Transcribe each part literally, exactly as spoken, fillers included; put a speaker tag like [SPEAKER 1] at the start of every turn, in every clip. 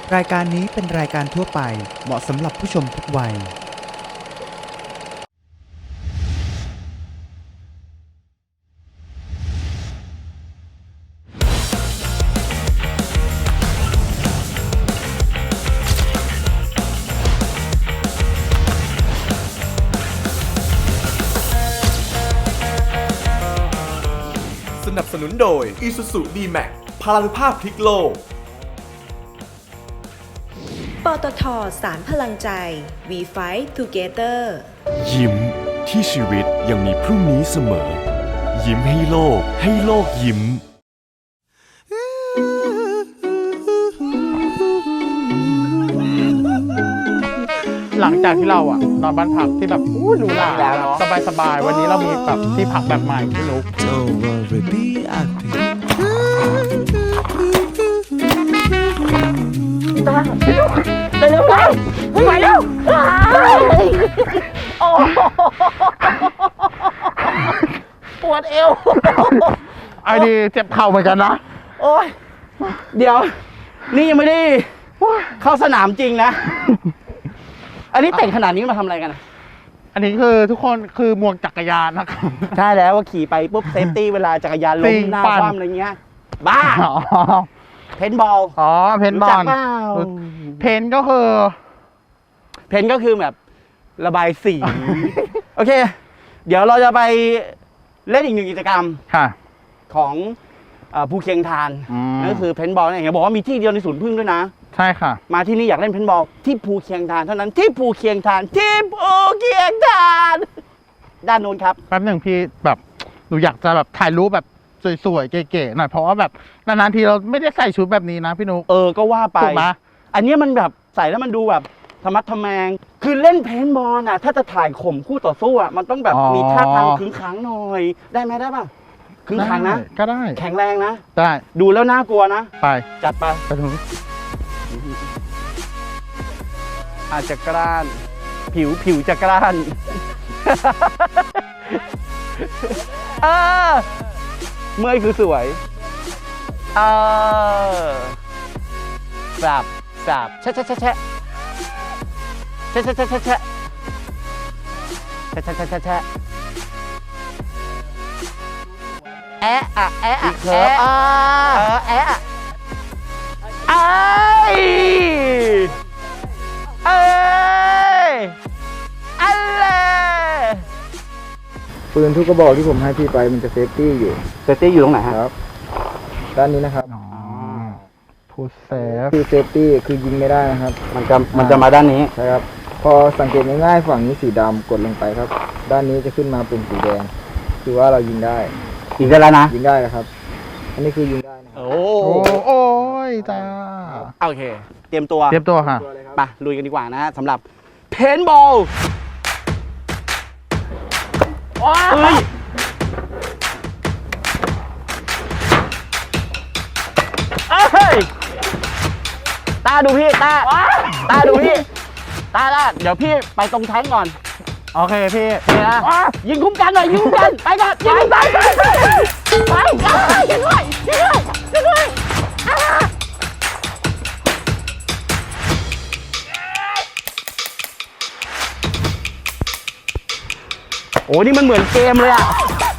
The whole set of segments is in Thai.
[SPEAKER 1] รายการนี้เป็นรายการทั่วไปเหมาะสำหรับผู้ชมทุกวัย
[SPEAKER 2] สนับสนุนโดย Isuzu ดี แม็กซ์ พลานุภาพพลิกโลก
[SPEAKER 3] ปตท.สารพลังใจ We Fight Together
[SPEAKER 4] ยิ้มที่ชีวิตยังมีพรุ่งนี้เสมอยิ้มให้โลกให้โลกยิ้ม
[SPEAKER 5] หลังจากที่เราอะนอนบ้านพักที่แบบอู้หรูหราสบายสบายวันนี้เรามีแบบที่พักแบบใหม่พี่นุ๊ก
[SPEAKER 6] เร็วๆเลยไปเร็วโอ้ปวดเอว
[SPEAKER 5] ไอ้ดีเจ็บเข่าเหมือนกันนะ
[SPEAKER 6] โอ้ยเดี๋ยวนี่ยังไม่ได้เข้าสนามจริงนะอันนี้แต่งขนาดนี้มาทำอะไรกัน
[SPEAKER 5] อันนี้คือทุกคนคือหมวกจักรยานนะครับ
[SPEAKER 6] ใช่แล้วว่าขี่ไปปุ๊บเซฟตี้เวลาจักรยานล้มหน้าคว่ำอะไรเงี้ยบ้าเพนบอล
[SPEAKER 5] อ๋อเพนบอลเพนก็คือ
[SPEAKER 6] เพนก็คือแบบระบายสีโอเคเดี๋ยวเราจะไปเล่นอีกหนึ่งกิจกรรมของภูเคียงทานนั่นก็คือเพนบอลเนี่ยบอกว่ามีที่เดียวในศูนย์พึ่งด้วยนะ
[SPEAKER 5] ใช่ค่ะ
[SPEAKER 6] มาที่นี่อยากเล่นเพนบอลที่ภูเคียงทานเท่านั้นที่ภูเคียงทานที่ภูเคียงทานด้านโน้นครับ
[SPEAKER 5] แป๊บหนึ่งพี่แบบหนูอยากจะแบบถ่ายรูปแบบสวยๆเก๋ๆหน่อยเพราะว่าแบบนานๆทีเราไม่ได้ใส่ชุดแบบนี้นะพี่นุ๊ก
[SPEAKER 6] เออก็ว่าไป
[SPEAKER 5] ถูกไหม
[SPEAKER 6] อันนี้มันแบบใส่แล้วมันดูแบบธรรมะทแมงคือเล่นเพนบอลน่ะถ้าจะถ่ายข่มคู่ต่อสู้อ่ะมันต้องแบบมีท่าทางขึงขังหน่อยได้ไหมได้ป่ะขึงขังนะ
[SPEAKER 5] ก็ได้
[SPEAKER 6] แข็งแรงนะ
[SPEAKER 5] ได้
[SPEAKER 6] ดูแล้วน่ากลัวนะ
[SPEAKER 5] ไป
[SPEAKER 6] จัดไป
[SPEAKER 5] ไปตรงนี้
[SPEAKER 6] อาจจะกล้านผิวผิวจะกล้านเออเมื่อยคือสวยเออสับสับแชะแชะแชะแชะแชะแชะแชะแชะแชะแชะแชะแชะแชะแชะแอะอะแอะอะแอะเออแอะอะไอ้เอ้ยอะไร
[SPEAKER 7] ปืนทุกกระบอกที่ผมให้พี่ไปมันจะเซฟตี้อยู่
[SPEAKER 6] เซฟตี้อยู่ตรงไหนครับ
[SPEAKER 7] ด้านนี้นะครับ
[SPEAKER 5] พูดเซฟ
[SPEAKER 7] คือเซฟตี้คือยิงไม่ได้นะครับ
[SPEAKER 6] มันจะมันจะมาด้านนี้
[SPEAKER 7] ใช่ครับพอสังเกตง่ายๆฝั่งนี้สีดำกดลงไปครับด้านนี้จะขึ้นมาเป็นสีแดงคือว่าเรายิงได้
[SPEAKER 6] ยิงได้แล้วนะ
[SPEAKER 7] ยิงได้แล้วครับอันนี้คือยิงได้นะ
[SPEAKER 6] โอ้
[SPEAKER 5] โอ้ยจ้า
[SPEAKER 6] โอเคเตรียมตัว
[SPEAKER 5] เตรียมตัวค่ะ
[SPEAKER 6] ไปลุยกันดีกว่านะสำหรับเพนบอลเฮ้ยเฮ้ยตาดูพี่ตาตาดูพี่ตาตาเดี๋ยวพี่ไปตรงแท้งก่อน
[SPEAKER 5] โอเคพี่
[SPEAKER 6] นี่นะยิงคุ้มกันหน่อยยิงคุ้มกันไปก่อนยิงไปไปไปไปยิงด้วยยิงด้วยยิงด้วยโอ้นี่มันเหมือนเกมเลยอ่ะ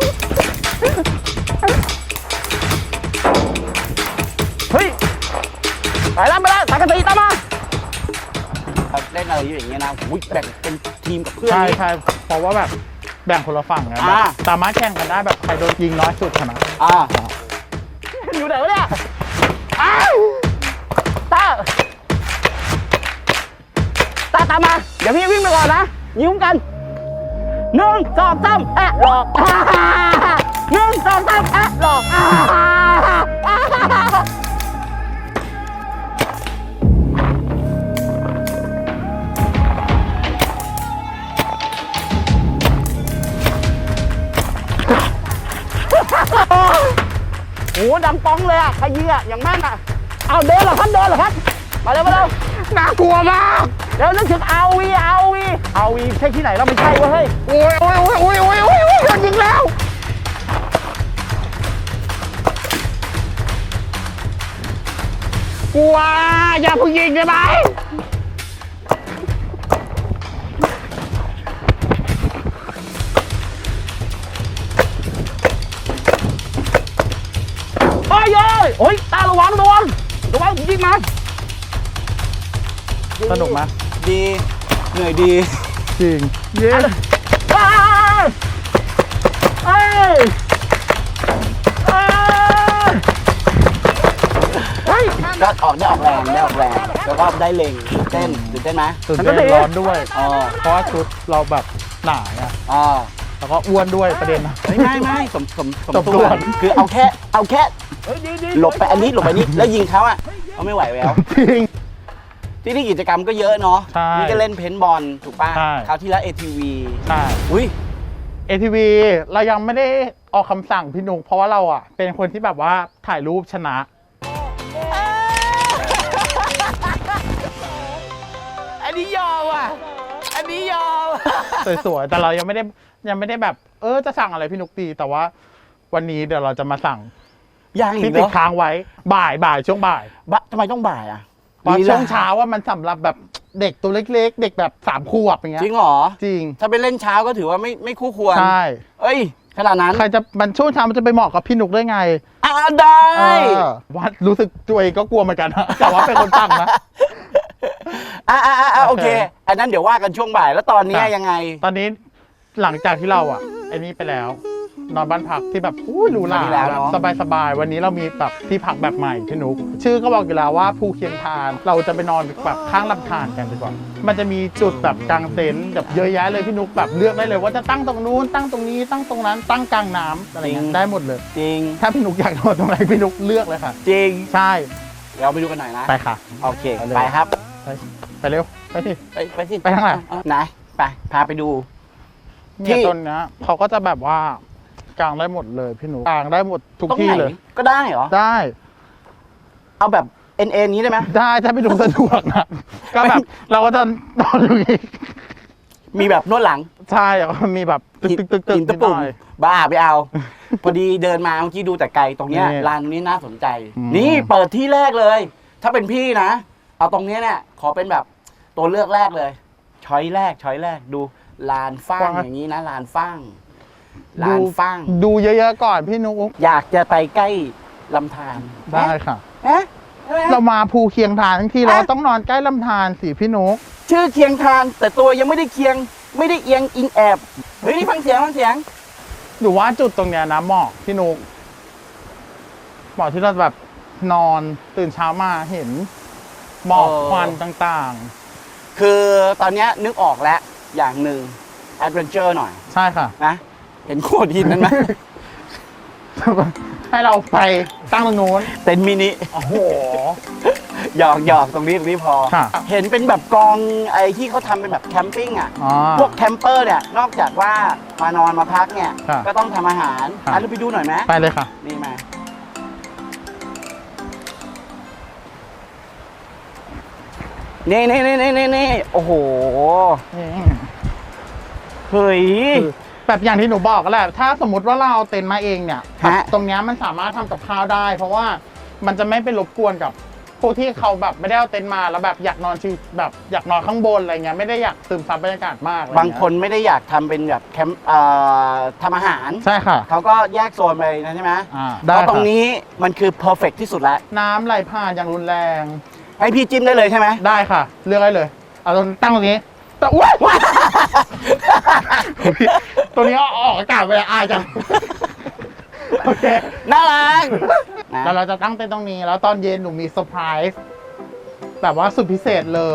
[SPEAKER 6] เฮ้ยไปแล้วไปแล้วสังกะสีตามมาเล่นอะไรอยู่อย่างเงี้ยนะอุ้ยแบ่งเป็นทีมกับเพื่อน
[SPEAKER 5] ใช่ใช่เพราะว่าแบบแบ่งคนละฝั่งนะแบบสามารถแข่งกันได้แบบใครโดนยิงน้อยสุดชนะ
[SPEAKER 6] อ่าอยู่ไหนวะเนี่ยอ้าวตาตาตามมาเดี๋ยวพี่วิ่งไปก่อนนะยิ้มกันหนึ่งสองสามแอะหลอกหนึ่งสองสามแอะหลอกโอ้ดำป้องเลยอ่ะใครยิงอ่ะอย่างแม่นอ่ะเอาเดินเหรอครับเดินเหรอครับมาเร็วมาเร็ว
[SPEAKER 5] น่ากลัวมาก
[SPEAKER 6] เดี๋ยวนึกถึงเอาวีเอาวีเอาวีใช่ที่ไหนเราไม่ใช่เว้ย
[SPEAKER 5] โอ้ยโอ้ยโอ้ยโอ้ยโอ้ยโอ้ยโอ้ยโดนยิงแล้วกลัวอย่าเพิ่งยิงได้ไหมโอ้ยโอ้ยโอ้ยตาระวังระวังระวังยิงมาสนุกไหม
[SPEAKER 6] ดีเหนื่อยดี
[SPEAKER 5] จริงเย้เอ้ยเอ้ยเฮ้ย
[SPEAKER 6] ก็ออกได้ออกแรงได้ออกแรงแล้วก็ได้เล็งเต้นตื่นเต้นไหม
[SPEAKER 5] ตื่นเต้นร้อนด้วย
[SPEAKER 6] อ๋อ
[SPEAKER 5] เพราะว่าชุดเราแบบหนาอ่ะ
[SPEAKER 6] อ๋อ
[SPEAKER 5] แล้วก็อ้วนด้วยประเด็นนะ
[SPEAKER 6] ไม่ไม่ไม่สมสมสม
[SPEAKER 5] สมส่
[SPEAKER 6] ส่
[SPEAKER 5] ว
[SPEAKER 6] วน นคือเอาแค่เอาแค่หลบไปอันนี้หลบไปนี้แล้วยิงเขาอ่ะเขาไม่ไหวแล้ว
[SPEAKER 5] จริง
[SPEAKER 6] ที่นี่กิจกรรมก็เยอะเนาะ
[SPEAKER 5] ใช่
[SPEAKER 6] นี่ก็เล่นเพนท์บอลถูกป่ะ
[SPEAKER 5] ใช่
[SPEAKER 6] คราวที่แล้ว เอ ที วี
[SPEAKER 5] ใช่
[SPEAKER 6] อุ้ย
[SPEAKER 5] เอ ที วี เรายังไม่ได้ออกคำสั่งพี่นุกเพราะว่าเราอ่ะ เป็นคนที่แบบว่าถ่ายรูปชนะ
[SPEAKER 6] อันนี้ยอมอ่ะอันนี้ยอม
[SPEAKER 5] สวยๆ แต่เรายังไม่ได้ยังไม่ได้แบบ เออจะสั่งอะไรพี่นุกตีแต่ว่าวันนี้เดี๋ยวเราจะมาสั่ง
[SPEAKER 6] ยังอี
[SPEAKER 5] ที่
[SPEAKER 6] ก
[SPEAKER 5] ติ
[SPEAKER 6] เหร
[SPEAKER 5] ด
[SPEAKER 6] อ
[SPEAKER 5] ค้างไว้บ่ายบ่ายช่วงบ่าย
[SPEAKER 6] บะทำไมต้องบ่ายอ่ะ
[SPEAKER 5] เพราะ
[SPEAKER 6] ลีล
[SPEAKER 5] ช่วงเช้าว่ามันสำหรับแบบเด็กตัวเล็กๆ เด็กแบบสามขวบอย่างเงี้ย
[SPEAKER 6] จริงเหรอ
[SPEAKER 5] จริง
[SPEAKER 6] ถ้าไปเล่นเช้าก็ถือว่าไม่ไม่คู่ควร
[SPEAKER 5] ใช่
[SPEAKER 6] เอ้ยขนาดนั้น
[SPEAKER 5] ใครจะมันช่วงเช้ามันจะไปเหมาะกับพี่นุกได้ไง
[SPEAKER 6] อ่าได้
[SPEAKER 5] เออว่ารู้สึกตัวเองก็กลัวเหมือนกันนะ แต่ว่าเป็นคนตั้งนะ
[SPEAKER 6] อ่าอ่าอ่าโอ
[SPEAKER 5] โอ
[SPEAKER 6] เค
[SPEAKER 5] เค
[SPEAKER 6] อันนั้นเดี๋ยวว่ากันช่วงบ่ายแล้วตอนนี้
[SPEAKER 5] ครับ
[SPEAKER 6] ยังไง
[SPEAKER 5] ตอนนี้หลังจากที่เราอ่ะไอ้นี่ไปแล้ว นอนบ้านพักที่แบบอู้หรูหรา
[SPEAKER 6] ดีแล้วเนอะ
[SPEAKER 5] สบายสบายๆวันนี้เรามีแบบที่พักแบบใหม่พี่นุกชื่อก็บอกอยู่แล้วว่าภูเคียงทาน เราจะไปนอนแบบข้างลำธารกันดีกว่ามันจะมีจุดแบบกางเต็นท์แบบเยอะแยะเลยพี่นุกแบบเลือกได้เลยว่าจะตั้งตรงนู้นตั้งตรงนี้ตั้งตรงนั้นตั้งกลางน้ำอะไรเงี้ยได้หมดเลย
[SPEAKER 6] จริง
[SPEAKER 5] ถ้าพี่นุกอยากนอนตรงไหนพี่นุกเลือกเลยค่ะ
[SPEAKER 6] จริง
[SPEAKER 5] ใช่
[SPEAKER 6] เราไปดูกันหน่อยนะ
[SPEAKER 5] ไปค่ะ
[SPEAKER 6] โอเค
[SPEAKER 5] ไปเลย
[SPEAKER 6] ไปครับ
[SPEAKER 5] ไปไปเร็วไปที่
[SPEAKER 6] ไปไปสิ
[SPEAKER 5] ไปทางไหน
[SPEAKER 6] เอาไหนไปพาไปดู
[SPEAKER 5] เนี่ย
[SPEAKER 6] ที่
[SPEAKER 5] ต้นเนี้ยเขาก็จะแบบว่ากางได้หมดเลยพี่หนูกางได้หมดทุก
[SPEAKER 6] ตรง
[SPEAKER 5] ที่
[SPEAKER 6] ไหน
[SPEAKER 5] เลย
[SPEAKER 6] ก็ได้เหรอ
[SPEAKER 5] ได้
[SPEAKER 6] เอาแบบเอ็นเอ็นนี้ได้ไหม
[SPEAKER 5] ได้ถ้าพี่หนูสะดวกนะก็แบบเราก็จะนอนอยู่อย่างงี้
[SPEAKER 6] มีแบบนวดหลัง
[SPEAKER 5] ใช่แล้วก็มีแบบตึกตึกตึกตึก
[SPEAKER 6] หิน
[SPEAKER 5] นิ
[SPEAKER 6] ตะ
[SPEAKER 5] ดห
[SPEAKER 6] ปุ่ม
[SPEAKER 5] น่อย
[SPEAKER 6] บ้าไปเอา พอดีเดินมาเมื่อกี้ดูแต่ไกลตรงเนี้ย
[SPEAKER 5] นี่
[SPEAKER 6] ร้านนี้น่าสนใจ
[SPEAKER 5] อืม
[SPEAKER 6] นี่เปิดที่แรกเลย ถ้าเป็นพี่นะ เอาตรงเนี้ยเนี่ยขอเป็นแบบตัวเลือกแรกเลย ช้อยแรกช้อยแรกดูลานฟ้างอย่างนี้นะลานฟ้างลานฟ้าง
[SPEAKER 5] ดูเยอะๆก่อนพี่นุก
[SPEAKER 6] อยากจะไปใกล้ลำธาร
[SPEAKER 5] ได้ค่ะ
[SPEAKER 6] เอ๊ะเอ๊ะ
[SPEAKER 5] เรามาภูเคียงทานทั้งที่เรา
[SPEAKER 6] อ่ะ
[SPEAKER 5] ต้องนอนใกล้ลำธารสิพี่นุก
[SPEAKER 6] ชื่อเคียงทาน แต่ตัวยังไม่ได้เคียง ไม่ได้เอียงอิงแอบเฮ้ยนี่ฟังเสียงฟังเสียง
[SPEAKER 5] หรือว่าจุดตรงเนี้ยนะเหมาะพี่นุกเหมาะที่เราแบบนอนตื่นเช้ามาเห็นหมอก
[SPEAKER 6] เออ
[SPEAKER 5] ควันต่าง
[SPEAKER 6] คือตอนเนี้ยนึกออกแล้วอย่างหนึ่งแอดเวนเจอร์หน่อย
[SPEAKER 5] ๆ ใช่ค่ะ
[SPEAKER 6] นะ เห็นโขดหินนั้นไหม
[SPEAKER 5] ให้เราไปตั้งตรงนู้น
[SPEAKER 6] เต็นท์มินิ
[SPEAKER 5] โอ้โห
[SPEAKER 6] หยอกหยอกตรงนี้ตรงนี้พอ
[SPEAKER 5] ค่ะ
[SPEAKER 6] เห็นเป็นแบบกองไอ้ที่เขาทำเป็นแบบแคมปิ้งอ่ะ
[SPEAKER 5] อ๋อ
[SPEAKER 6] พวกแคมเปอร์เนี่ย นอกจากว่ามานอนมาพักเนี่ย
[SPEAKER 5] ค่ะ
[SPEAKER 6] ก็ต้องทำอาหาร
[SPEAKER 5] ค่ะ
[SPEAKER 6] อ่ะเราไปดูหน่อยไหม
[SPEAKER 5] ไปเลยค่ะ
[SPEAKER 6] นี่มา นี่นี่นี่นี่นี่นี่โอ้โห เฮ้ย
[SPEAKER 5] คือแบบอย่างที่หนูบอกก็แหละ ถ้าสมมติว่าเราเอาเต็นท์มาเองเนี่ย
[SPEAKER 6] ฮะ
[SPEAKER 5] ตรงเนี้ยมันสามารถทำกับข้าวได้ เพราะว่ามันจะไม่ไปรบกวนกับพวกที่เขาแบบไม่ได้เอาเต็นท์มาแล้วแบบอยากนอนชิวแบบอยากนอนข้างบนอะไรเงี้ยไม่ได้อยากซึมซับบรรยากาศมากอะไรเงี้ย
[SPEAKER 6] บางคนไม่ได้อยากทำเป็นแบบแคมป์เอ่อทำอาหาร
[SPEAKER 5] ใช่ค่ะ
[SPEAKER 6] เขาก็แยกโซนไปนะใช่ไหม
[SPEAKER 5] อ่า
[SPEAKER 6] เพ
[SPEAKER 5] ได้
[SPEAKER 6] ราะตรง
[SPEAKER 5] ค่ะ
[SPEAKER 6] นี้มันคือเพอร์เฟกที่สุดแล้ว
[SPEAKER 5] น้ำไหลผ่านอย่างรุนแรง
[SPEAKER 6] ให้พี่จิ้มได้เลยใช่ไหม
[SPEAKER 5] ได้ค่ะ เลือกได้เลย เอาตรงตั้งตรงนี้แต่อุ้ยตัวนี้เอาออกอากาศไปอายจังโอเค
[SPEAKER 6] น่ารักนะ
[SPEAKER 5] แล้วเราจะตั้งเต็นท์ตรงนี้ แล้วตอนเย็นหนูมีเซอร์ไพรส์แบบว่าสุดพิเศษเลย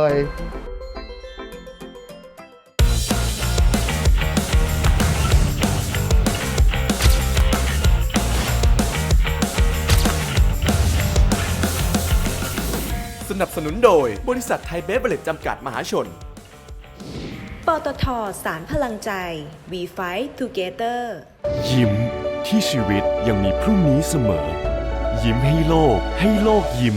[SPEAKER 2] สนับสนุนโดยบริษัทไทยเบเวอร์เรจจำกัดมหาชน
[SPEAKER 3] ปตทสารพลังใจ We Fight Together
[SPEAKER 4] ยิ้มที่ชีวิตยังมีพรุ่งนี้เสมอ ยิ้มให้โลกให้โลกยิ้ม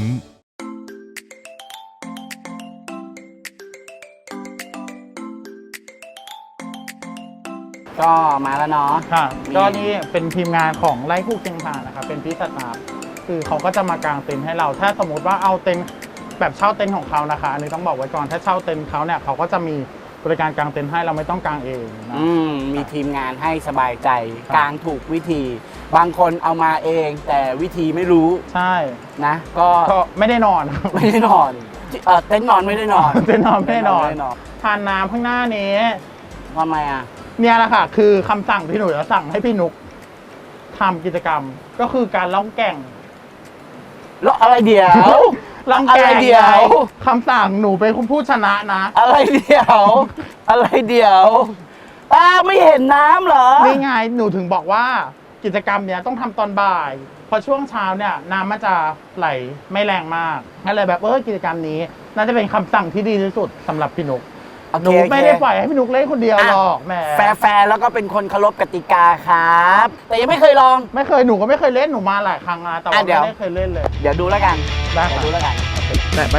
[SPEAKER 6] ก็มาแล้วเนาะ
[SPEAKER 5] ค่ะ
[SPEAKER 6] มี
[SPEAKER 5] ก็นี่เป็นทีมงานของไร่คู่เคียงทานนะครับเป็นพี่สตาฟคือเขาก็จะมากางเต็นท์ให้เรา ถ้าสมมติว่าเอาเต็นท์แบบเช่าเต็นท์ของเขานะคะอันนี้ต้องบอกไว้ก่อนถ้าเช่าเต็นท์เขาเนี่ยเขาก็จะมีบริการกางเต็นท์ให้เราไม่ต้องกางเองนะ
[SPEAKER 6] อืมมีทีมงานให้สบายใจ
[SPEAKER 5] ครับ
[SPEAKER 6] กางถูกวิธี บางคนเอามาเอง แต่วิธีไม่รู้
[SPEAKER 5] ใช่
[SPEAKER 6] นะ ก็
[SPEAKER 5] ก็ไม่ได้นอน
[SPEAKER 6] ไม่ได้นอนเออเต็นท์นอนไม่ได้นอน
[SPEAKER 5] เต็นท์นอนไม่ได้นอน
[SPEAKER 6] ไม่ได้นอน
[SPEAKER 5] ทานน้ำข้างหน้านี้
[SPEAKER 6] ทำไมอ่ะ
[SPEAKER 5] เนี่ยแหละค่ะ คือคำสั่งที่หนูจะสั่งให้พี่นุกทำกิจกรรมก็คือการล่องแก่ง
[SPEAKER 6] แล้วอะไรเดี๋ยว
[SPEAKER 5] ล่องแก่
[SPEAKER 6] อะไร
[SPEAKER 5] ง
[SPEAKER 6] เดี๋ยว
[SPEAKER 5] คำสั่งหนูเป็นคนพูดชนะนะ
[SPEAKER 6] อะไรเดี๋ยว อะไรเดี๋ยวตาไม่เห็นน้ำเหรอ
[SPEAKER 5] นี่ไงหนูถึงบอกว่ากิจกรรมเนี้ยต้องทำตอนบ่ายพอช่วงเช้าเนี่ยน้ำมันจะไหลไม่แรงมากนั่นเลยแบบเออกิจกรรมนี้ น่าจะเป็นคำสั่งที่ดีที่สุดสำหรับพี่นุก
[SPEAKER 6] โอเค
[SPEAKER 5] หนูไม่ได้ปล่อยให้พี่นุกเล่นคนเดียวหรอกแหม
[SPEAKER 6] แฟร์ๆแล้วก็เป็นคนเคารพกติกาครับ แต่ยังไม่เคยลอง
[SPEAKER 5] ไม่เคยหนูก็ไม่เคยเล่นหนูมาหลายครั้งนะแต่ว่า
[SPEAKER 6] อ่ะเดี๋ยว
[SPEAKER 5] ไม่ได้เคยเล่นเลย
[SPEAKER 6] เดี๋ยวดูแล้วกัน
[SPEAKER 5] ได้
[SPEAKER 6] เดี๋ยว
[SPEAKER 5] ค่ะ
[SPEAKER 6] ดูแล้วกัน
[SPEAKER 1] แตะไป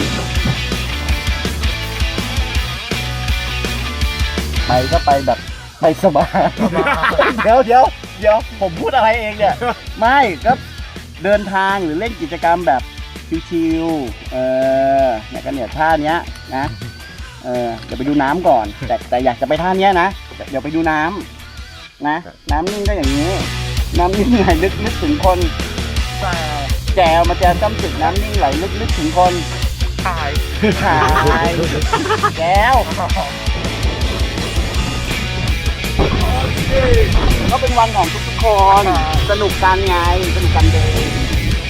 [SPEAKER 6] ไปก็ไปแบบไปสบาย เดี๋ยวเดี๋ยวเดี๋ยวผมพูดอะไรเองเนี่ย ไม่ก็เดินทางหรือเล่นกิจกรรมแบบชิวๆเออเนี่ยก็เนี่ยท่าเนี้ยนะเออเดี๋ยวไปดูน้ำก่อน แต่แต่อยากจะไปท่าเนี้ยนะเดี๋ยวไปดูน้ำนะ น้ำนิ่งก็อย่างนี้ น้ำนิ่งไหลลึกนึกถึงคนแจวมาแจวจ้ำสึกน้ำนิ่งไหลลึกนึกถึงคน
[SPEAKER 5] ถ่าย
[SPEAKER 6] ขายแก้วก็เป็นวันของทุกๆคน สนุกกันไง สนุกกันเดิน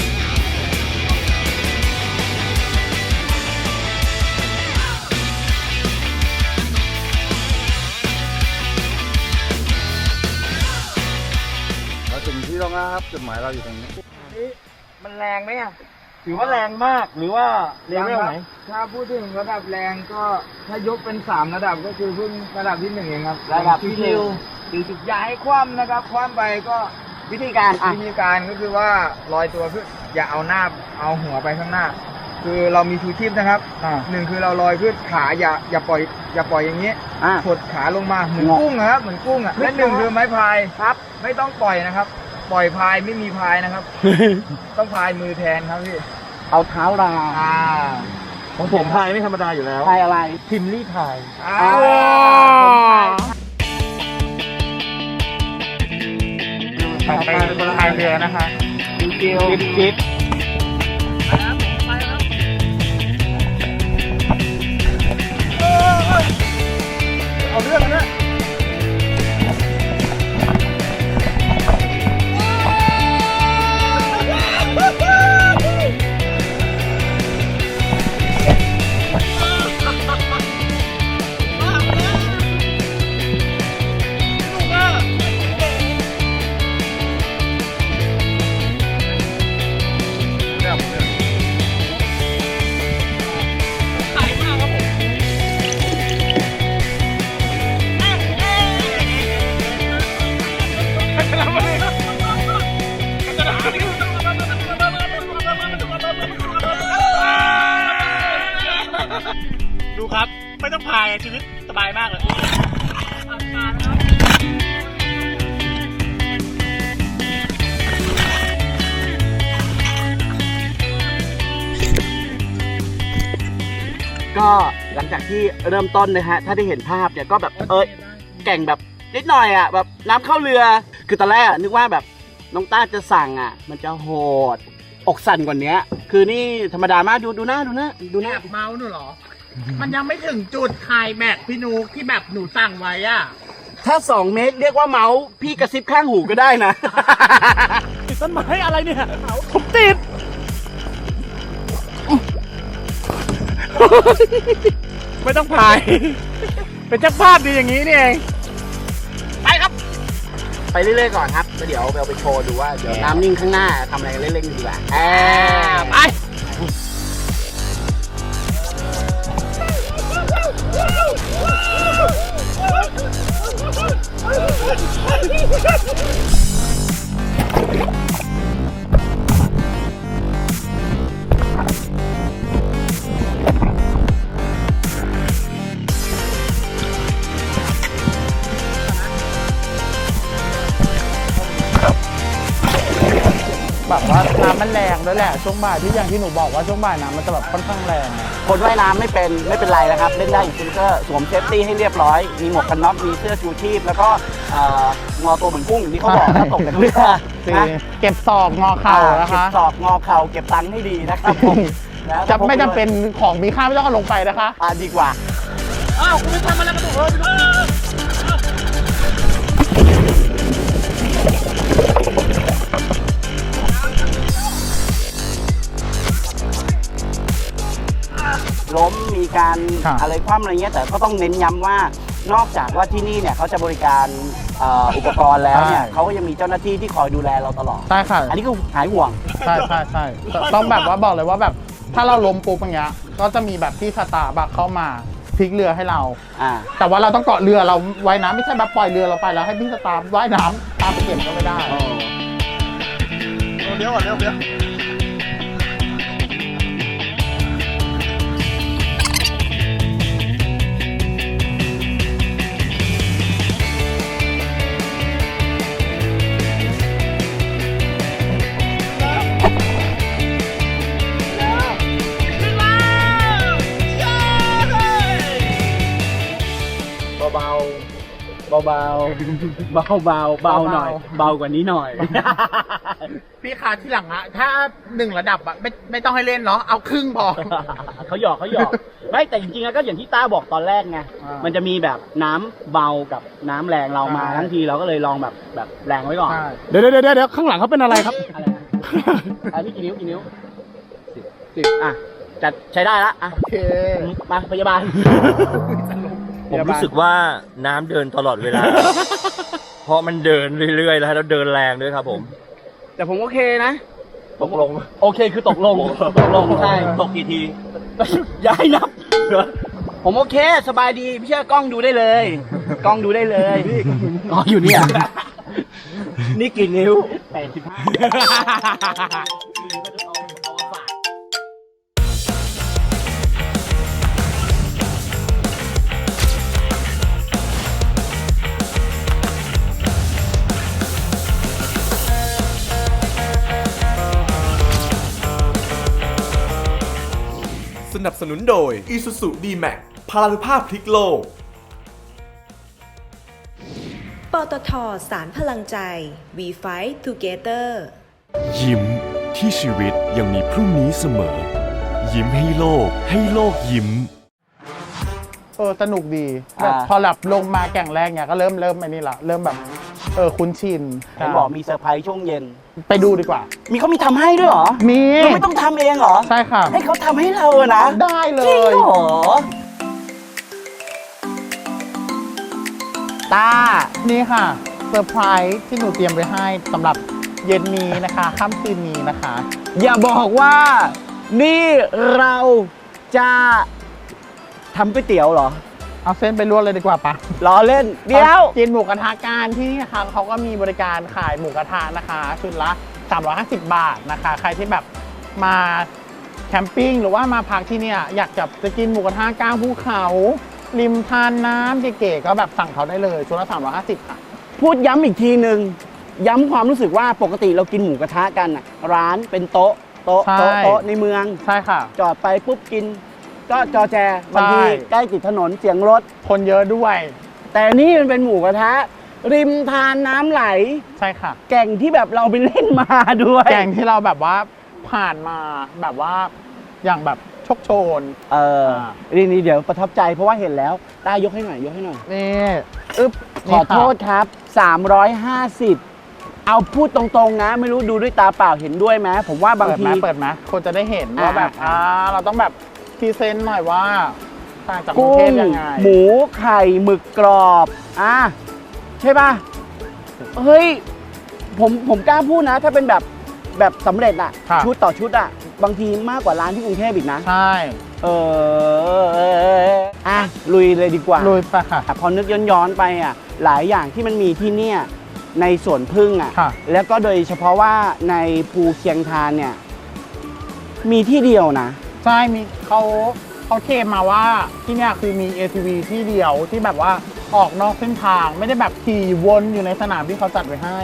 [SPEAKER 7] เราถึงที่แล้วนะครับจุดหมายเราอยู่ตรงนี้
[SPEAKER 6] มันแรงไหมอ่ะ ถือว่าแรงมากหรือว่าเลเวลไหน
[SPEAKER 7] ถ้าพูดถึงระดับแรงก็ถ้ายกเป็นสามระดับก็คือเพิ่งระดับที่หนึ่งเองครับ
[SPEAKER 6] ระดับที่หนึ่ง
[SPEAKER 7] สี่สิบอย่าให้คว่ำนะครับ คว่ำไปก็
[SPEAKER 6] วิธีการอ่ะ
[SPEAKER 7] วิธีการก็คือว่าลอยตัวขึ้นอย่าเอาหน้าเอาหัวไปข้างหน้า คือเรามีชูชีพนะครับ
[SPEAKER 5] อ่า
[SPEAKER 7] หนึ่งคือเราลอยขึ้นขาอย่าอย่าปล่อยอย่าปล่อยอย่างนี้
[SPEAKER 6] อ่ะ
[SPEAKER 7] กดขาลงมาเหมือน
[SPEAKER 6] งอ
[SPEAKER 7] กุ้งนะครับเหมือนกุ้งอ่ะและหนึ่งคือไม้พาย
[SPEAKER 6] ครับ
[SPEAKER 7] ไม่ต้องปล่อยนะครับ ปล่อยพายไม่มีพายนะครับ ต้องพายมือแทนครับพี่
[SPEAKER 6] เอาเท้ารา
[SPEAKER 7] อ่า
[SPEAKER 5] ของผมพายไม่ธรรมดาอยู่แล้ว
[SPEAKER 6] พายอะไร
[SPEAKER 5] พิมลี่พาย
[SPEAKER 7] อ่า
[SPEAKER 5] ต่อไปเป็นคนพายเรือนะคะ
[SPEAKER 6] เกียวจิ๊บ
[SPEAKER 5] เอาเรื่องนะ
[SPEAKER 8] ดูครับ ไม่ต้องพายชีวิตสบายมากเลย
[SPEAKER 6] ก็หลังจากที่เริ่มต้นนะฮะ ถ้าได้เห็นภาพเนี่ยก็แบบเอ้ยแก่งแบบนิดหน่อยอ่ะแบบน้ำเข้าเรือ คือตอนแรกอะนึกว่าแบบน้องต้าจะสั่งอ่ะ มันจะโหด อกสั่นกว่านี้คือนี่ธรรมดามากดูดูหน้าดูหน้าดูหน้า
[SPEAKER 5] เมาหนูเหรอ มันยังไม่ถึงจุดคลายแม็กซ์พี่นุกที่แบบหนูสั่งไว้อ่ะ
[SPEAKER 6] ถ้าสองเมตรเรียกว่าเมาส์พี่กระซิบข้างหูก็ได้นะ
[SPEAKER 8] ติดต้นไม้อะไรเนี่ย ผมติด ไม่ต้องพาย เป็นเจ้าภาพดีอย่างนี้นี่เอง
[SPEAKER 6] ไปครับ ไปเรื่อยๆก่อนครับแล้วเดี๋ยวเราไปโชว์ดูว่าเดี๋ยวน้ำนิ่งข้างหน้าทำอะไรกันเล่นๆดีกว่าแอบไป
[SPEAKER 5] แบบว่าน้ำมันแรงด้วยแหละช่วงบ่ายที่อย่างที่หนูบอกว่าช่วงบ่ายน้ำมันจะแบบค่อนข้างแรง
[SPEAKER 6] คนว่ายน้ำไม่เป็นไม่เป็นไรนะครับ เล่นได้อยู่ซิงเกอร์สวมเซฟตี้ให้เรียบร้อย มีหมวกกันน็อกมีเสื้อชูชีพ แล้วก็เอ่องอตัวเหมือนกุ้งอย่างที่เขาบอกถ้าตกจากเรือนะ
[SPEAKER 5] เก็บศอกงอเข่านะคะ
[SPEAKER 6] เก็บศอกงอเข่าเก็บตังค์ให้ดีนะครับผม
[SPEAKER 5] จะไม่จำเป็นของมีค่าไม่ต้องเอาลงไปนะคะ
[SPEAKER 6] อ่าดีกว่า
[SPEAKER 8] อ้าวคุณไม่ทำอะไรมาตัวเออไปดู
[SPEAKER 6] ล้มมีการ
[SPEAKER 5] ครับ
[SPEAKER 6] อะไรคว่ำอะไรเงี้ยแต่ก็ต้องเน้นย้ำว่านอกจากว่าที่นี่เนี่ยเขาจะบริการเอ่ออุปกรณ์แล้วเนี่ยเขาก็ยังมีเจ้าหน้าที่ที่คอยดูแลเราตลอด
[SPEAKER 5] ใช่ค่ะ
[SPEAKER 6] อันนี้ก็หายห่วง
[SPEAKER 5] ใช่ใช่ใช่ต้องแบบว่าบอกเลยว่าแบบถ้าเราล้มปุ๊บอย่างเงี้ยก็จะมีแบบที่สตาร์บัคเข้ามาพลิกเรือให้เรา
[SPEAKER 6] อ่า
[SPEAKER 5] แต่ว่าเราต้องเกาะเรือเราว่ายน้ำไม่ใช่แบบปล่อยเรือเราไปแล้วให้พี่สตาร์ว่ายน้ำตามไปเก็บก็ไม่ได้
[SPEAKER 8] เดี๋ยวก่อนเดี๋ยวเดี๋ยว
[SPEAKER 6] เบาเบาเบาเบาเบาเบาหน่อย เบากว่านี้หน่อย
[SPEAKER 5] พี่คะที่หลังอะถ้าหนึ่งระดับอะไม่ไม่ต้องให้เล่นเนาะเอาครึ่งพอ
[SPEAKER 6] เขาหยอกเขาหยอกไม่แต่จริงๆแล้วก็อย่างที่ต้าบอกตอนแรกไง
[SPEAKER 5] อ่ามั
[SPEAKER 6] มันจะมีแบบน้ำเบากับน้ำแรงเรามา
[SPEAKER 5] ใช่
[SPEAKER 6] ทั้งทีเราก็เลยลองแบบแบบแรงไว้ก่อน
[SPEAKER 5] ใช่
[SPEAKER 8] เดี๋ยวเดี๋ยวเดี๋ยวเดี๋ยวข้างหลังเขาเป็นอะไรครับ
[SPEAKER 6] อะไรนะอันนี้กี่นิ้วกี่นิ้วสิบสิบอ่ะจัดใช้ได้ละอ่ะ
[SPEAKER 5] โอเค
[SPEAKER 6] มาพยาบาล
[SPEAKER 9] ผมรู้สึกว่าน้ำเดินตลอดเวลา เพราะมันเดินเรื่อยๆ แล้วเดินแรงด้วยครับผม
[SPEAKER 6] แต่ผมโอเคนะ
[SPEAKER 9] ตกลง
[SPEAKER 6] โอเคคือตกลงตกลงใช่
[SPEAKER 9] ตกกี่ที
[SPEAKER 6] ย้ายนับ ผมโอเคสบายดีพี่เชื่อกล้องดูได้เลย กล้องดูได้เลยอ๋ออยู่เนี่ย นี่กี่นิ้วแปดสิบห้า
[SPEAKER 2] สนับสนุนโดย Isuzu D-Max พลานุภาพพลิกโลก
[SPEAKER 3] ปตทสารพลังใจ We Fight Together
[SPEAKER 4] ยิ้มที่ชีวิตยังมีพรุ่งนี้เสมอ ยิ้มให้โลกให้โลกยิ้ม
[SPEAKER 5] เออสนุกดีแบบพอหลับลงมาแก่งแรกเนี่ยก็เริ่มเริ่มไอ้นี่ละเริ่มแบบเออคุ้นชิน
[SPEAKER 6] เห็นบอกมีเซอร์ไพรส์ช่วงเย็น
[SPEAKER 5] ไปดูดีกว่า
[SPEAKER 6] มีเขามีทำให้ด้วยเหรอ
[SPEAKER 5] มี
[SPEAKER 6] เราไม่ต้องทำเองเหรอ
[SPEAKER 5] ใช่ค่ะ
[SPEAKER 6] ให้เขาทำให้เราอะนะ
[SPEAKER 5] ได้เล
[SPEAKER 6] จริง
[SPEAKER 5] ย
[SPEAKER 6] เหรอตา
[SPEAKER 5] นี่ค่ะเซอร์ไพรส์ที่หนูเตรียมไว้ให้สำหรับเย็นนี้นะคะค่ำคืนนี้นะคะ
[SPEAKER 6] อย่าบอกว่า นี่เราจะทำก๋วยเตี๋ยวเหรอ
[SPEAKER 5] เอาเส้นไปลวกเลยดีกว่าปะ
[SPEAKER 6] ล้อเล่น เดี๋ยว
[SPEAKER 5] กินหมูกระทะการที่นี่นะคะเขาก็มีบริการขายหมูกระทะนะคะชุดละสามร้อยห้าสิบบาทนะคะ ใครที่แบบมาแคมปิ้งหรือว่ามาพักที่เนี่ยอยากจะจะกินหมูกระทะกลางภูเขาริมทานน้ำเก๋ๆก็แบบสั่งเขาได้เลยชุดละสามร้อยห้าสิบค่ะ
[SPEAKER 6] พูดย้ำอีกทีหนึ่งย้ำความรู้สึกว่าปกติเรากินหมูกระทะกันอะร้านเป็นโต๊ะโต๊ะ
[SPEAKER 5] ใช่
[SPEAKER 6] โต๊ะโต๊ะในเมือง
[SPEAKER 5] ใช่ค่ะ
[SPEAKER 6] จอดไปปุ๊บกิน ก็จอแจบางที
[SPEAKER 5] ใช่
[SPEAKER 6] ใกล้ติดถนนเสียงรถ
[SPEAKER 5] คนเยอะด้วย
[SPEAKER 6] แต่นี่มันเป็นหมูกระทะ ริมทานน้ำไหล
[SPEAKER 5] ใช่ค่ะ
[SPEAKER 6] แก่งที่แบบเราไปเล่นมาด้วย
[SPEAKER 5] แกงที่เราแบบว่าผ่านมาแบบว่าอย่างแบบโชคโชน
[SPEAKER 6] เออ
[SPEAKER 5] อ่า
[SPEAKER 6] นี่นี่เดี๋ยวประทับใจเพราะว่าเห็นแล้วได้ยกให้หน่อยยกให้หน่อย
[SPEAKER 5] นี่อึ๊บ
[SPEAKER 6] ขอโทษครับ สามร้อยห้าสิบ เอาพูดตรงๆนะ ไม่รู้ดูด้วยตาเปล่าเห็นด้วยไหมผมว่าบาง
[SPEAKER 5] เปิด
[SPEAKER 6] ที
[SPEAKER 5] ไหมเปิดไหมคนจะได้เห็นว่าแบบ
[SPEAKER 6] อ่า
[SPEAKER 5] อ่าเราต้องแบบพรีเซนต์หน่อยว่าต่างจากกรุง
[SPEAKER 6] กุ้
[SPEAKER 5] เท
[SPEAKER 6] ง
[SPEAKER 5] พยังไง
[SPEAKER 6] หมูไข่หมึกกรอบอ่ะใช่ป่ะ เฮ้ย ผมผมกล้าพูดนะ ถ้าเป็นแบบแบบสำเร็จอะ
[SPEAKER 5] ค่ะ
[SPEAKER 6] ชุดต่อชุดอะบางทีมากกว่าร้านที่กรุงเทพอีกนะ
[SPEAKER 5] ใช่
[SPEAKER 6] เอออ่ะลุยเลยดีกว่า
[SPEAKER 5] ลุยไปค่ะ
[SPEAKER 6] พอนึกย้อนๆไปอ่ะหลายอย่างที่มันมีที่เนี่ยในสวนพึ่งอ่ะ
[SPEAKER 5] ค่ะ
[SPEAKER 6] แล้วก็โดยเฉพาะว่าในภูเชียงทานเนี่ยมีที่เดียวนะ
[SPEAKER 5] ใช่มีเขาเขาเคลมมาว่าที่เนี่ยคือมี เอ ที วี ที่เดียวที่แบบว่าออกนอกเส้นทางไม่ได้แบบขี่วนอยู่ในสนามที่เขาจัดไว้ให้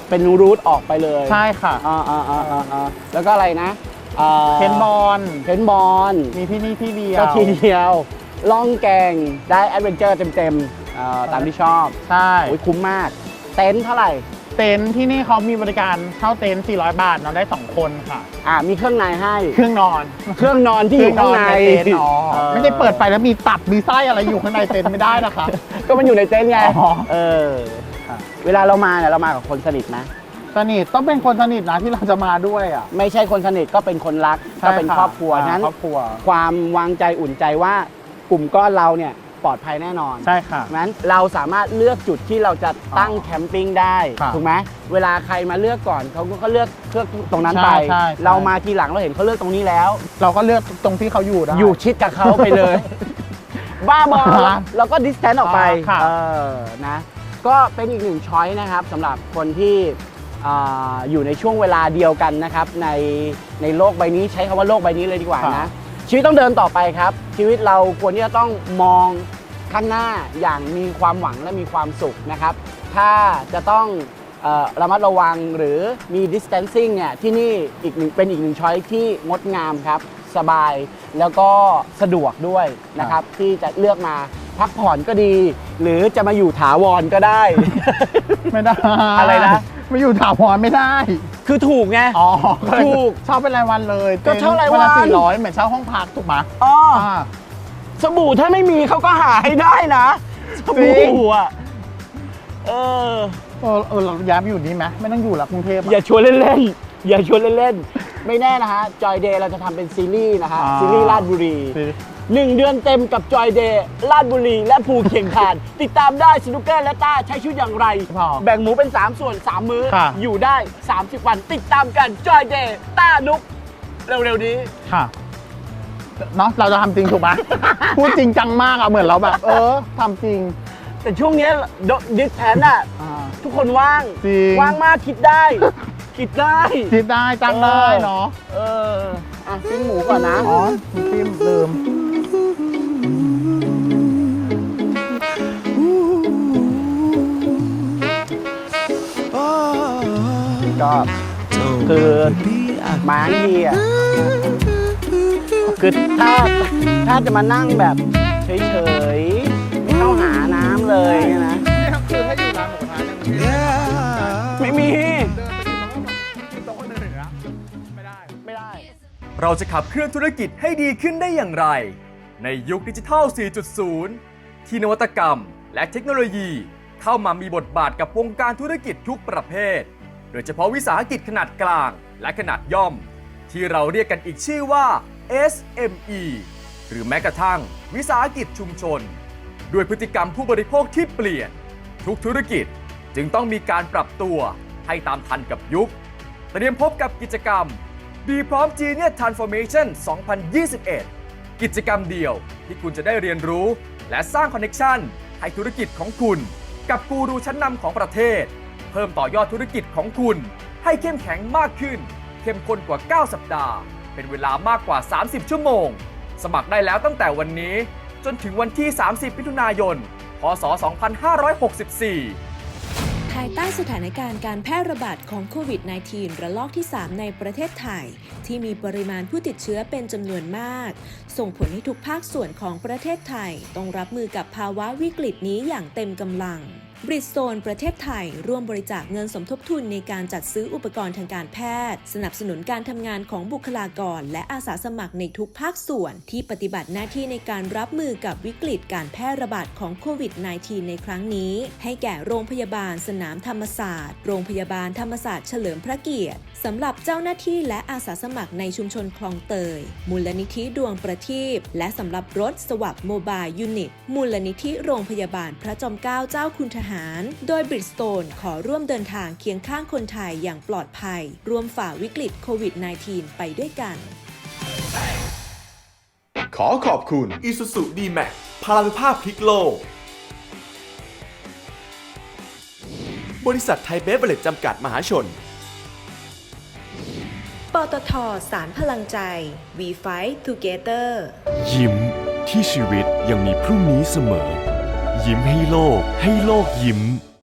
[SPEAKER 6] เป็นรูทออกไปเลย
[SPEAKER 5] ใช่ค่ะ
[SPEAKER 6] อ่าอ่าอ่าอ่าอ่าแล้วก็อะไรนะอ่า
[SPEAKER 5] เพนบอล
[SPEAKER 6] เพนบอล
[SPEAKER 5] มีที่นี่ที่เดียว
[SPEAKER 6] ก็ทีเดียวล่องแกงได้แอดเวนเจอร์เต็มๆอ่าตามที่ชอบ
[SPEAKER 5] ใช่
[SPEAKER 6] โอ้ยคุ้มมาก เต็นท์เท่าไหร่
[SPEAKER 5] เต็นท์ที่นี่เขามีบริการเช่าเต็นท์สี่ร้อยบาทนอนได้สองคนค่ะ
[SPEAKER 6] อ่ามีเครื่องในให้
[SPEAKER 5] เครื่องนอน
[SPEAKER 6] เครื่องนอนที่อยู่ข้างใน
[SPEAKER 5] เต็นท์อ๋อ
[SPEAKER 6] เออ
[SPEAKER 5] ไม่ได้เปิดไปแล้วมีตับมีไส้อะไรอยู่ข้างในเต็นท์ไม่ได้นะคะ
[SPEAKER 6] ก็มันอยู่ในเต็นท์ไง
[SPEAKER 5] อ๋อ
[SPEAKER 6] เออเวลาเรามาเนี่ยเรามากับคนสนิทนะ
[SPEAKER 5] สนิทต้องเป็นคนสนิทนะที่เราจะมาด้วยอ่ะ
[SPEAKER 6] ไม่ใช่คนสนิทก็เป็นคนรักก็เป็นครอบครัว
[SPEAKER 5] ใช่ะ
[SPEAKER 6] นั้น
[SPEAKER 5] ครอบครัว
[SPEAKER 6] ความวางใจอุ่นใจว่ากลุ่มก้อนเราเนี่ยปลอดภัยแน่นอน
[SPEAKER 5] ใช่ค่ะ
[SPEAKER 6] งั้นเราสามารถเลือกจุดที่เราจะตั้งแคมปิ้งได้
[SPEAKER 5] ค่ะ
[SPEAKER 6] ถูกไหมเวลาใครมาเลือกก่อนเขาก็เลือกเลือกตรงนั้นไป
[SPEAKER 5] ใช่ใช่ใช่
[SPEAKER 6] เรามาทีหลังเราเห็นเขาเลือกตรงนี้แล้ว
[SPEAKER 5] เราก็เลือกตรงที่เขาอยู่ได้
[SPEAKER 6] อยู่ชิดกับเขาไปเลย บ้าบอ
[SPEAKER 5] ค่ะ
[SPEAKER 6] เราก็ดิสแทนออกไป
[SPEAKER 5] ค่ะ
[SPEAKER 6] เออนะก็เป็นอีกหนึ่งช้อยนะครับสำหรับคนที่อ่าอยู่ในช่วงเวลาเดียวกันนะครับในในโลกใบนี้ใช้คำว่าโลกใบนี้เลยดีกว่านะชีวิตต้องเดินต่อไปครับ ชีวิตเราควรที่จะต้องมองข้างหน้าอย่างมีความหวังและมีความสุขนะครับ ถ้าจะต้องเอ่อระมัดระวังหรือมี distancing เนี่ยที่นี่อีกหนึ่งเป็นอีกหนึ่งช้อยที่งดงามครับ สบายแล้วก็สะดวกด้วยนะครับ ที่จะเลือกมาพักผ่อนก็ดี หรือจะมาอยู่ถาวรก็ได้
[SPEAKER 5] ไม่ได้
[SPEAKER 6] อะไรนะ
[SPEAKER 5] ไม่อยู่ถาวรไม่ได้
[SPEAKER 6] คือถูกไง
[SPEAKER 5] อ๋อ
[SPEAKER 6] ถูก
[SPEAKER 5] เช่าเป็นรายวันเลย
[SPEAKER 6] ก็เช่ารายวัน
[SPEAKER 5] ละสี่ร้อยเหมือนเช่าห้องพักถูกไหม
[SPEAKER 6] อ๋อ
[SPEAKER 5] อ่า
[SPEAKER 6] สบู่ถ้าไม่มีเขาก็หาให้ได้นะส
[SPEAKER 5] จริง
[SPEAKER 6] บู่อ่ะเออ
[SPEAKER 5] เออเออเราย้ายไปอยู่นี่ไหมไม่ต้องอยู่ละกรุงเทพอะ
[SPEAKER 6] อย่าชวนเล่นๆ อย่าชวนเล่นๆ ไม่แน่นะฮะ จอยเดย์เราจะทำเป็นซีรีส์นะฮะ
[SPEAKER 5] อ่า
[SPEAKER 6] ซีรีส์ลาดบุรี
[SPEAKER 5] สิ
[SPEAKER 6] หนึ่งเดือนเต็มกับจอยเดย์ลาดบุรี และภูเขียงคาน ติดตามได้สนุกเกอร์และต้าใช้ชีวิตอย่างไร
[SPEAKER 5] พอ
[SPEAKER 6] แบ่งหมูเป็น สาม ส่วน สาม มื้อ
[SPEAKER 5] ค่ะ
[SPEAKER 6] อยู่ได้ สามสิบ วัน ติดตามกันจอยเดย์ต้านุก เร็ว ๆ นี้
[SPEAKER 5] ค่ะเนาะเราจะทำจริงถูกไหม พูดจริงจังมากอะเหมือนเราแบบ เออทำจริง
[SPEAKER 6] แต่ช่วงเนี้ดิสแทนอ่ะ
[SPEAKER 5] อ่า
[SPEAKER 6] ทุกคนว่าง
[SPEAKER 5] จริง
[SPEAKER 6] ว่างมากคิดได้ คิดได้
[SPEAKER 5] คิดได้จ้างได้เนาะ
[SPEAKER 6] เออ อ่ะปิ้งหมูก่อนนะ
[SPEAKER 5] อ๋อพิมลืม
[SPEAKER 6] ก็คือมาทั้งทีอ่ะคือถ้าถ้าจะมานั่งแบบเฉยๆไม่เข้าหาน้ำเลยเนี่ยนะ
[SPEAKER 5] นี่ครับคือให้อยู่ร้านหมูกระทะเนี่ย
[SPEAKER 6] ไม่มี
[SPEAKER 5] โต๊ะคนอื่นนะไม่ได้
[SPEAKER 6] ไม่ได้
[SPEAKER 2] เราจะขับเคลื่อนธุรกิจให้ดีขึ้นได้อย่างไร ในยุคดิจิทัล สี่จุดศูนย์ ที่นวัตกรรมและเทคโนโลยีเข้ามามีบทบาทกับวงการธุรกิจทุกประเภท โดยเฉพาะวิสาหกิจขนาดกลางและขนาดย่อม ที่เราเรียกกันอีกชื่อว่า เอส เอ็ม อี หรือแม้กระทั่งวิสาหกิจชุมชน ด้วยพฤติกรรมผู้บริโภคที่เปลี่ยน ทุกธุรกิจจึงต้องมีการปรับตัวให้ตามทันกับยุค เตรียมพบกับกิจกรรม ดีพร้อม Genius Transformation สองพันยี่สิบเอ็ด กิจกรรมเดียวที่คุณจะได้เรียนรู้ และสร้างคอนเนคชั่นให้ธุรกิจของคุณ กับกูรูชั้นนำของประเทศ เพิ่มต่อยอดธุรกิจของคุณ ให้เข้มแข็งมากขึ้น เข้มข้นกว่า เก้า สัปดาห์ เป็นเวลามากกว่า สามสิบ ชั่วโมง สมัครได้แล้วตั้งแต่วันนี้ จนถึงวันที่ สามสิบ มิถุนายน พ.ศ. สองพันห้าร้อยหกสิบสี่
[SPEAKER 3] ภายใต้สถานการณ์การแพร่ระบาดของโควิด สิบเก้า ระลอกที่ สาม ในประเทศไทย ที่มีปริมาณผู้ติดเชื้อเป็นจำนวนมาก ส่งผลให้ทุกภาคส่วนของประเทศไทยต้องรับมือกับภาวะวิกฤตนี้อย่างเต็มกำลัง บริดโซนประเทศไทยร่วมบริจาคเงินสมทบทุนในการจัดซื้ออุปกรณ์ทางการแพทย์ สนับสนุนการทำงานของบุคลากรและอาสาสมัครในทุกภาคส่วนที่ปฏิบัติหน้าที่ในการรับมือกับวิกฤตการแพร่ระบาดของโควิด สิบเก้า ในครั้งนี้ ให้แก่โรงพยาบาลสนามธรรมศาสตร์โรงพยาบาลธรรมศาสตร์เฉลิมพระเกียรติสำหรับเจ้าหน้าที่และอาสาสมัครในชุมชนคลองเตยมูลนิธิดวงประทีปและสำหรับรถสวับโมบายยูนิตมูลนิธิโรงพยาบาลพระจอมเกล้าเจ้าคุณทหารโดยบริดสโตนขอร่วมเดินทางเคียงข้างคนไทยอย่างปลอดภัยร่วมฝ่าวิกฤตโควิด สิบเก้า ไปด้วยกัน
[SPEAKER 2] ขอขอบคุณ Isuzu ดี แม็กซ์ พลานุภาพพลิกโลก บริษัทไทยเบเวอเรจจำกัดมหาชน
[SPEAKER 3] ปตท.สารพลังใจ We Fight Together
[SPEAKER 4] ยิ้มที่ชีวิตยังมีพรุ่งนี้เสมอ ยิ้มให้โลกให้โลกยิ้ม